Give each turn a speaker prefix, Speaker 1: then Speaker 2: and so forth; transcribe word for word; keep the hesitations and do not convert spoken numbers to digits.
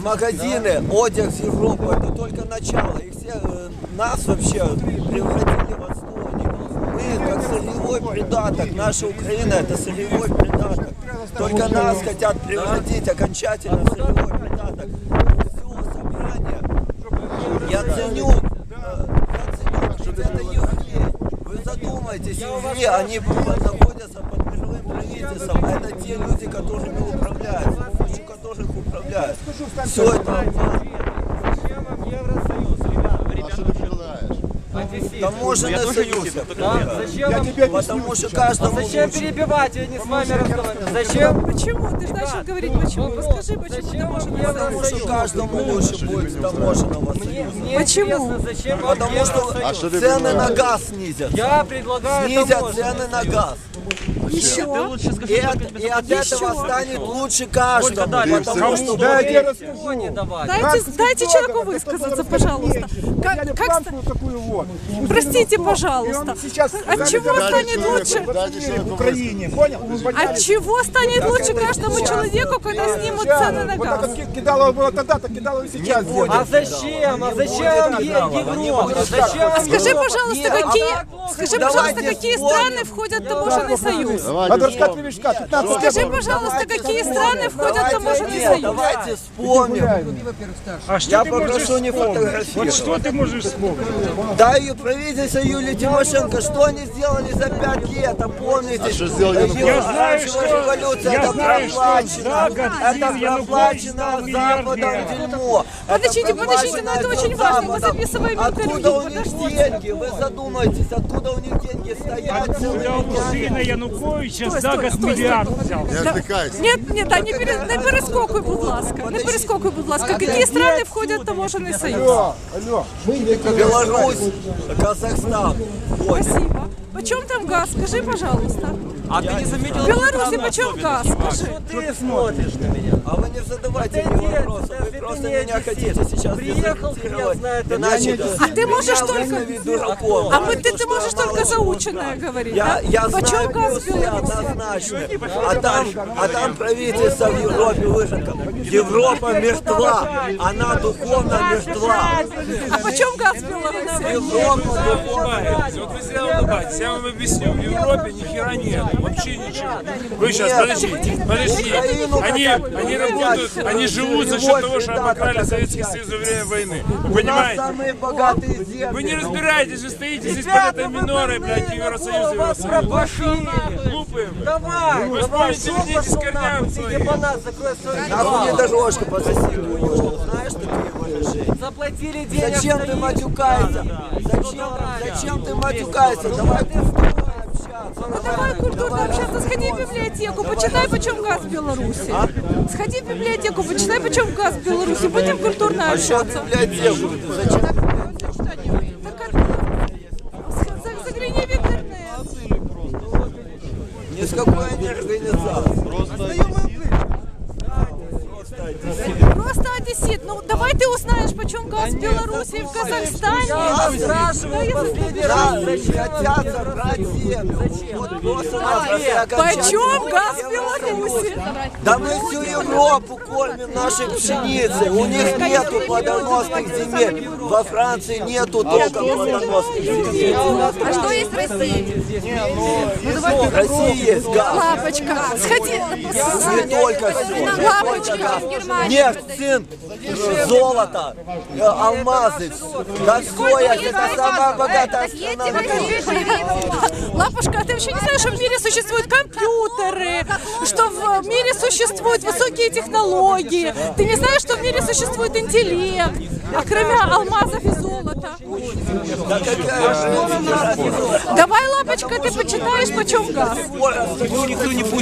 Speaker 1: магазины, одяг с Европы, это только начало. И все э, нас вообще превратили в отстойников. Мы как сырьевой придаток, наша Украина это сырьевой придаток. Только нас хотят превратить окончательно в сырьевой придаток. Все собрание, я ценю, э, я ценю, это евреи. Вы задумайтесь, евреи, они находятся под мировым правительством. Это те люди, которыми управляют, с помощью которых управляют. Все это таможенный союз. Потому что каждому
Speaker 2: Зачем перебивать? Я не с вами разговариваю. Зачем?
Speaker 3: Почему? Ты же начал говорить почему. Расскажи, почему таможенный союз.
Speaker 1: Потому что каждому лучше будет таможенного союза.
Speaker 3: Почему?
Speaker 2: Зачем?
Speaker 1: Потому что цены на газ снизят.
Speaker 2: Я предлагаю
Speaker 1: Снизят цены на газ.
Speaker 3: Еще?
Speaker 1: И от, и от этого станет лучше каждому. Потому что
Speaker 3: Дайте, дайте человеку высказаться, пожалуйста. Как, как ста-
Speaker 4: такую вот.
Speaker 3: Простите, пожалуйста. От чего станет лучше?
Speaker 4: В Украине, понял?
Speaker 3: От чего станет лучше каждому человеку, когда снимут цены на
Speaker 4: Вот
Speaker 3: газ?
Speaker 4: так кидало было тогда, так кидало и сейчас.
Speaker 2: А зачем? А зачем вам Европа? Зачем?
Speaker 3: А скажи, пожалуйста, какие, скажи, пожалуйста,
Speaker 1: Давайте
Speaker 3: какие
Speaker 1: вспомним.
Speaker 3: страны входят в таможенный союз?
Speaker 4: Надо рассказать Левишка, пятнадцать лет.
Speaker 3: Скажи, пожалуйста, какие страны входят в таможенный
Speaker 1: Нет,
Speaker 3: союз?
Speaker 1: давайте вспомним.
Speaker 5: А что
Speaker 1: Я
Speaker 5: ты
Speaker 1: попрошу
Speaker 5: можешь
Speaker 1: не
Speaker 5: вспомнить?
Speaker 1: фотографировать.
Speaker 5: Вот что ты можешь вспомнить?
Speaker 1: Да и правительство Юлии Тимошенко, что они сделали за пять лет, а помните? А что сделали?
Speaker 5: Я знаю, что-
Speaker 1: революция,
Speaker 5: я
Speaker 1: это
Speaker 5: знаю, что
Speaker 1: проплачено,
Speaker 5: за год
Speaker 1: это
Speaker 5: Янукович
Speaker 1: проплачено
Speaker 5: стал
Speaker 1: Западом
Speaker 5: миллиардером.
Speaker 1: дерьмо.
Speaker 3: Подождите,
Speaker 1: Это
Speaker 3: подождите, но это
Speaker 1: проплачено
Speaker 3: очень важно, мы
Speaker 1: Западом.
Speaker 3: записываем
Speaker 1: Откуда
Speaker 3: интервью,
Speaker 1: у них
Speaker 3: подождите.
Speaker 1: деньги? Вы задумайтесь, откуда у них деньги стоят
Speaker 5: Откуда
Speaker 1: целыми
Speaker 5: у
Speaker 1: днями?
Speaker 5: сына Януковича
Speaker 3: Стой,
Speaker 5: за
Speaker 3: стой,
Speaker 5: год
Speaker 3: стой,
Speaker 5: мільярд
Speaker 3: стой.
Speaker 5: взяв?
Speaker 3: Да. Нет, нет, да, не, пере, не перескокуй, будь ласка. Не перескокуй, будь ласка. Какие страны входят в таможенный союз?
Speaker 4: Алло, алло.
Speaker 1: Беларусь, Казахстан. Вот.
Speaker 3: Спасибо. Почем там газ? Скажи, пожалуйста.
Speaker 2: А ты не заметил?
Speaker 3: В Беларуси почем газ? Скажи.
Speaker 2: Ты смотришь на меня.
Speaker 1: А вы не задавайте мне вопросы, вы просто меня хотите сейчас
Speaker 2: Приехал,
Speaker 1: дезориентировать.
Speaker 2: я знаю, это
Speaker 1: Иначе
Speaker 3: А ты можешь
Speaker 1: меня
Speaker 3: только...
Speaker 1: выставить дураком.
Speaker 3: А мы, ты,
Speaker 1: Потому
Speaker 3: ты
Speaker 1: что
Speaker 3: можешь
Speaker 1: я
Speaker 3: только
Speaker 1: мало
Speaker 3: заученное говорить,
Speaker 1: Я,
Speaker 3: да?
Speaker 1: я
Speaker 3: Почем
Speaker 1: знаю
Speaker 3: газ в
Speaker 1: плюсы
Speaker 3: Беларуси?
Speaker 1: однозначно. А там, а там правительство в Европе выжико. Европа мертва, она духовно мертва.
Speaker 3: А почем газ в Беларуси?
Speaker 1: Европа духовно
Speaker 6: улыбаетесь. Вот вы зря улыбаетесь. Я вам объясню. В Европе ни хера нет. Вообще ничего. Вы сейчас,
Speaker 1: Нет.
Speaker 6: подождите, подождите.
Speaker 1: Украину
Speaker 6: Они,
Speaker 1: хотят
Speaker 6: они
Speaker 1: взять.
Speaker 6: работают, они живут за счет того, что обокрали Советский Союз во время войны. Вы
Speaker 1: У нас
Speaker 6: понимаете?
Speaker 1: самые богатые земли.
Speaker 6: Вы не разбираетесь, вы стоите здесь под этой минорой, блядь, Евросоюз, Евросоюз.
Speaker 2: Пошли.
Speaker 6: Глупые, блядь.
Speaker 2: Давай,
Speaker 6: Вы
Speaker 2: давай,
Speaker 6: вспомните, вернитесь к корням своим.
Speaker 2: ебанат, закрой свой
Speaker 1: Нахуй не дорожка по соседу. Знаешь такие выражения?
Speaker 2: Заплатили денег.
Speaker 1: Зачем ты матюкаешься? Зачем, зачем ты матюкаешься? Давай культурно общаться.
Speaker 3: Ну давай культурно общаться, сходи в библиотеку, почитай, почем газ в Беларуси. Сходи в библиотеку, почитай, почем газ в Беларуси. Будем культурно
Speaker 1: А что
Speaker 3: общаться.
Speaker 1: библиотеку? Зачем?
Speaker 3: Так как- за- Загляни в интернет.
Speaker 1: Ни с какой они организации.
Speaker 3: Просто одессит. Ну давай ты узнаешь, почем газ в Беларуси и в Казахстане.
Speaker 2: Я спрашиваю последний раз.
Speaker 1: Да, хотят забрать землю. Вот просто напросто
Speaker 3: Почем газ в Беларуси?
Speaker 1: Да мы всю Европу кормим нашей пшеницей. У них нету плодоносных земель. Во Франции нету толком плодоносных земель.
Speaker 3: А что есть в России?
Speaker 1: В России есть газ.
Speaker 3: Лапочка, сходи.
Speaker 1: Не только все.
Speaker 3: Лапочка.
Speaker 1: Нефть, цинк, золото, э, алмазы. Да все, это самая богатая страна в мире.
Speaker 3: Лапушка, а ты вообще не знаешь, что в мире существуют компьютеры, что в мире существуют высокие технологии? Ты не знаешь, что в мире существует интеллект, а кроме алмазов и золота?
Speaker 1: Да какая же разница?
Speaker 3: Давай, Лапочка, ты почитаешь, почем газ.
Speaker 1: Никто не